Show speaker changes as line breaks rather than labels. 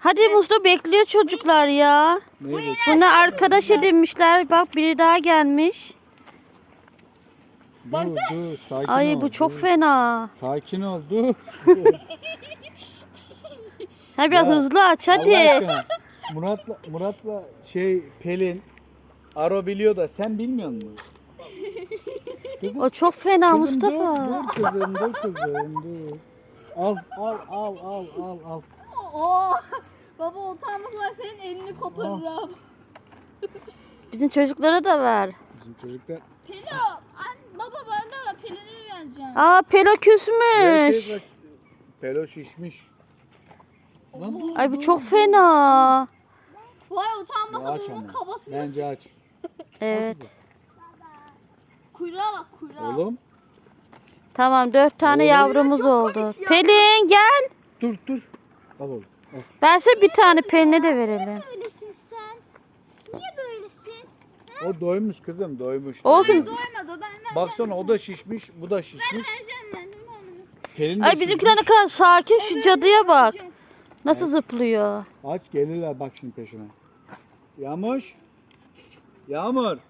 Hadi Mustafa bekliyor çocuklar ya.
Neyi
Bunlar arkadaş edinmişler. Bak biri daha gelmiş.
Dur, sakin ol.
Ay bu çok
dur.
fena.
Sakin ol, dur.
Ha biraz
Ya,
hızlı aç
Allah
hadi.
aşkına. Murat'la Pelin Aro biliyor da sen bilmiyor musun?
O çok fena
Kızım
Mustafa.
dur kızım, dur kızım, dur. Al.
Oo. Baba utanmazlar senin elini koparırım.
Bizim çocuklara da ver.
Bizim çocuklar
Pelo. Baba ben de var. Pelin'i vereceğim.
Aa Pelo
her
küsmüş.
şey bak. Pelo şişmiş. Lan dur,
Ay bu
dur,
çok
dur.
Vay
fena.
Ya
utanmasa
aç
bunun
ama.
kabasını.
Bence aç.
Evet.
Kuyruğa bak kuyruğa.
Oğlum
Tamam 4 tane
Oğlum.
yavrumuz
Çok
oldu.
komik ya.
Pelin gel.
dur. Al oğlum. Al.
Ben size bir tane Pelin'e de verelim.
Böylesin sen. Niye böylesin?
O doymuş kızım, doymuş.
Olsun.
Doymadı ben
Baksana o da şişmiş, bu da şişmiş.
vereceğim ben.
Pelin de
Ay bizimkiler ne kadar sakin. Şu cadıya bak. Nasıl zıplıyor.
Aç gelirler bak şimdi peşine. Yağmur.